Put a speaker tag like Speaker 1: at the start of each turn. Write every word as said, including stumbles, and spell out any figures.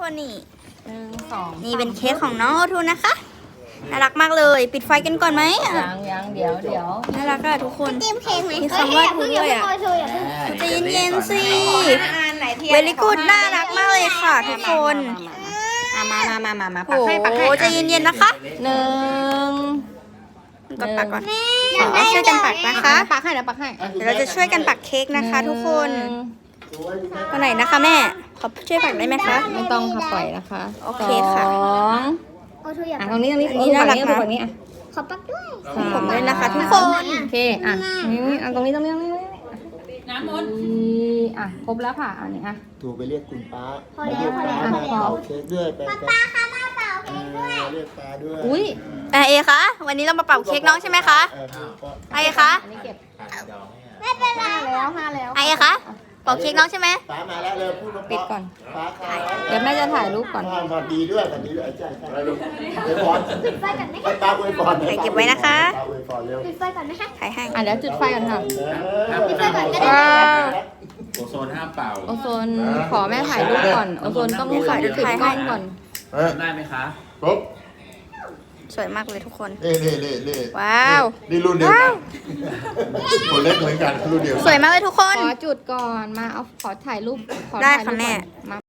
Speaker 1: นนี่
Speaker 2: หนึ่งสอง
Speaker 1: นี่เป็นเค้กของน้องโอทูนะคะน่ารักมากเลย ปิดไฟกันก่อนไหมอ่ะ
Speaker 2: ยังยังเดี๋ยวเดี๋ยว
Speaker 1: น่ารักอะทุกคน
Speaker 3: เตรียมเค้กไหม
Speaker 1: มีคำว่าทูด้วยอะ ใจเย็นๆสิเวลิกูดน่ารักมากเลยค่ะทุกคน
Speaker 2: มามามามามา
Speaker 1: โอ้
Speaker 2: ปักให้ปักให้
Speaker 1: โหใจเย็นๆนะคะ
Speaker 2: หนึ่ง
Speaker 1: กดปักก่อนเราช่วยกันปักนะคะ
Speaker 2: ปักให้เดี๋ยวปักให้
Speaker 1: เดี๋ยวเราจะช่วยกันปักเค้กนะคะ ทุกคนคนไหนนะคะแม่ขอช่วยปักได้ไหมคะ
Speaker 2: ไม่ต้องค่ะปล่อยนะคะ
Speaker 1: โอเคค่ะ
Speaker 2: สอง
Speaker 3: โอทูอยาก
Speaker 2: อ่ะตรงนี้ตรงนี้
Speaker 1: อันนี้น่ารักนะ
Speaker 2: ตรงนี้อ่ะ
Speaker 3: ขอปักด้วย
Speaker 2: สาม
Speaker 1: ผมด้วยนะคะ ทุกคน
Speaker 2: โอเคอ่ะนี่อ่ะตรงนี้ตรงนี้ตรงนี้น้ำมนอ่ะครบแล้วค่ะอันนี้อ่ะ
Speaker 4: ถูกไปเรียกคุณป้า
Speaker 3: พอแล้วพอแล้วพอ
Speaker 4: มา
Speaker 3: แล้ว
Speaker 4: เป่าเค้กด้วยไป
Speaker 3: ป้าค่ะมาเป่า
Speaker 4: เอ
Speaker 3: เค้กด้วย
Speaker 4: อเรียกป้าด้วย
Speaker 2: อุ้ย
Speaker 1: อ่ะเอคะวันนี้เรามาเป่าเค้กน้องใช่ไหมคะ
Speaker 4: เออก็
Speaker 1: ไอคะ
Speaker 2: อันนี้เก็บ
Speaker 3: ไม่เป็นไร
Speaker 2: ห้าแล้วห้าแล้ว
Speaker 1: ไอคะเป่าเค้กน้องใช่ไหม
Speaker 4: ป้ามาแล้วเลยพูดมา
Speaker 2: ปิดก่อน
Speaker 4: ป้าค่ะ
Speaker 2: เดี๋ยวแม่จะถ่ายรูปก่อน
Speaker 4: ป้ามาดีด้วยมาดีด้วยใช่ใช่อวยพร
Speaker 3: ปิดไฟก่อนไหม
Speaker 4: ให้
Speaker 3: คะ
Speaker 4: ป้าอวยพร
Speaker 1: ใส่เก็บไว้นะคะ
Speaker 4: ป้าอวยพรเร็ว
Speaker 3: ปิดไฟก่อนไหมคะ
Speaker 1: ถ่ายให้
Speaker 2: อ่ะเดี๋ยวจุดไฟก่อนค่ะ
Speaker 3: ปิดไฟก่อนก็ได้
Speaker 2: ว้าว
Speaker 5: โอโซนห้ามเป่า
Speaker 2: โอโซนขอแม่ถ่ายรูปก่อนโอโซนต้องถ่ายรูปปิดกล้องก่อน
Speaker 4: เออ
Speaker 5: ได้ไหมคะ
Speaker 4: ปุ๊บ
Speaker 1: สวยมากเลยทุกคน
Speaker 4: นี่นี่นี่นี่
Speaker 1: ว้าว
Speaker 4: นี่รุ่นเดียวกันคนเล็กเหมือนกันรุ่นเดียวกัน
Speaker 1: สวยมากเลยทุกคน
Speaker 2: ขอจุดก่อนมาเอาขอถ่ายรูปขอ
Speaker 1: ได้
Speaker 2: ถ่ายรูป
Speaker 1: ค่ะแม่
Speaker 2: ก่อนมา